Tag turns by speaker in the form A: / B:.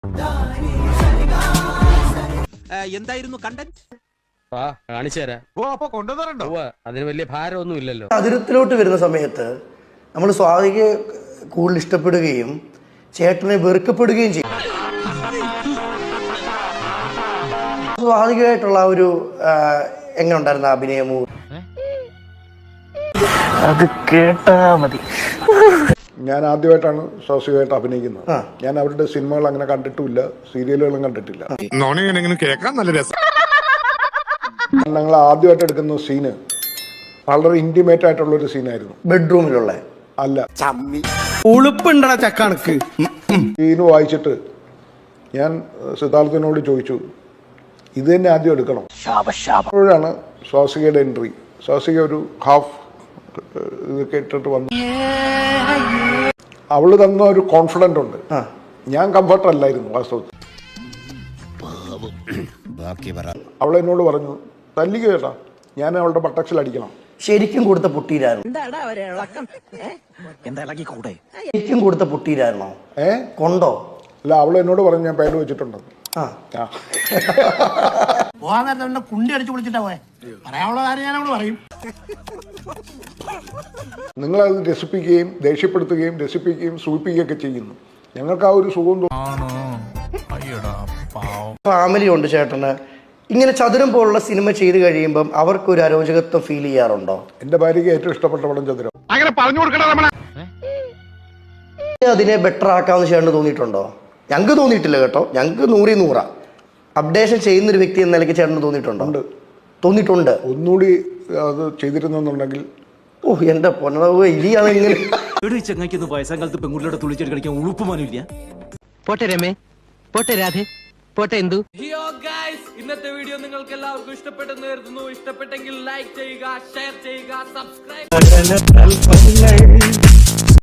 A: എന്തായിരുന്നു കണ്ടന്റ്?
B: കാണിച്ചു തരാം. അതിന് വലിയ ഭാരമൊന്നും ഇല്ലല്ലോ.
C: അതിരത്തിലോട്ട് വരുന്ന സമയത്ത് നമ്മൾ സ്വാതികയെ കൂടുതൽ ഇഷ്ടപ്പെടുകയും ചേട്ടനെ വെറുക്കപ്പെടുകയും ചെയ്യും. സ്വാതികമായിട്ടുള്ള ഒരു എങ്ങനെ ഉണ്ടായിരുന്ന അഭിനയമോ
D: അത് കേട്ടാ മതി.
E: ഞാൻ ആദ്യമായിട്ടാണ് സ്വാസികമായിട്ട് അഭിനയിക്കുന്നത്. ഞാൻ അവരുടെ സിനിമകൾ അങ്ങനെ കണ്ടിട്ടുമില്ല, സീരിയലുകളും കണ്ടിട്ടില്ല.
F: കേൾക്കാൻ നല്ല രസം.
E: ഞങ്ങൾ ആദ്യമായിട്ട് എടുക്കുന്ന സീന് വളരെ ഇന്റിമേറ്റ് ആയിട്ടുള്ള ഒരു സീനായിരുന്നു.
C: ബെഡ്റൂമിലുള്ള
E: അല്ല,
F: ഉളുപ്പുണ്ടടാ ചക്കണക്ക്.
E: സീന് വായിച്ചിട്ട് ഞാൻ സിദ്ധാർത്ഥനോട് ചോദിച്ചു, ഇത് തന്നെ ആദ്യം എടുക്കണം. അപ്പോഴാണ് സ്വാസികയുടെ എൻട്രി. സ്വാസിക ഒരു ഹാഫ് ഇതൊക്കെ ഇട്ടിട്ട് വന്നു. അവള് തന്ന ഒരു കോൺഫിഡന്റ് ഉണ്ട്. ഞാൻ കംഫർട്ട് അല്ലായിരുന്നു വാസ്തവത്തിൽ. അവളെന്നോട് പറഞ്ഞു, തല്ലിക്ക് കേട്ടാ ഞാൻ അവളുടെ ബട്ടക്സിൽ അടിക്കണം.
C: ശരിക്കും കൊടുത്ത പൊട്ടിയിലായിരുന്നു. ശരിക്കും കൊടുത്ത പൊട്ടിയിലായിരുന്നോ? കൊണ്ടോ?
E: അല്ല, അവളെന്നോട് പറഞ്ഞു ഞാൻ പേര് വെച്ചിട്ടുണ്ടെന്ന്.
D: കുണ്ടി അടിച്ചു വിളിച്ചിട്ടാ പോയെ. പറയാനുള്ള കാര്യം ഞാൻ അവിടെ പറയും.
E: നിങ്ങളത് രസിപ്പിക്കുകയും ദേഷ്യപ്പെടുത്തുകയും രസിപ്പിക്കുകയും സൂചിപ്പിക്കുകയൊക്കെ ചെയ്യുന്നു. ഞങ്ങൾക്ക് ആ ഒരു സുഖം
C: ഫാമിലി ഉണ്ട് ചേട്ടന്. ഇങ്ങനെ ചതുരം പോലുള്ള സിനിമ ചെയ്ത് കഴിയുമ്പം അവർക്കൊരു അരോചകത്വം ഫീൽ ചെയ്യാറുണ്ടോ?
E: എന്റെ ഭാര്യയ്ക്ക് ഏറ്റവും ഇഷ്ടപ്പെട്ട പടം ചതുരം.
F: അങ്ങനെ പറഞ്ഞു കൊടുക്കണം.
C: അതിനെ ബെറ്റർ ആക്കാമെന്ന് ചേട്ടന് തോന്നിയിട്ടുണ്ടോ? ഞങ്ങൾക്ക് തോന്നിയിട്ടില്ല കേട്ടോ. ഞങ്ങൾക്ക് 100/100 അപ്ഡേഷൻ ചെയ്യുന്നൊരു വ്യക്തി എന്ന നിലയ്ക്ക് ചേട്ടന് തോന്നിയിട്ടുണ്ടോ? തോന്നിയിട്ടുണ്ട്.
E: ഒന്നുകൂടി അത് ചെയ്തിരുന്നെന്നുണ്ടെങ്കിൽ.
C: എന്റെ പൊന്നവ് ഇനിയാണെങ്കിലും
A: ചെങ്ങായിക്കൊന്ന് വയസ്സാകാലത്ത് പെൺകുട്ടിയുടെ തുള്ളിച്ചെടി കളിക്കാൻ ഉളുപ്പുമാനില്ല.
G: പോട്ടെ രമേ, പോട്ടെ രാധേ, പോട്ടെ എന്തു.
A: ഇന്നത്തെ വീഡിയോ നിങ്ങൾക്ക് എല്ലാവർക്കും ഇഷ്ടപ്പെട്ടെന്ന് കരുതുന്നു. ഇഷ്ടപ്പെട്ടെങ്കിൽ ലൈക്ക് ചെയ്യുക, ഷെയർ ചെയ്യുക, സബ്സ്ക്രൈബ്.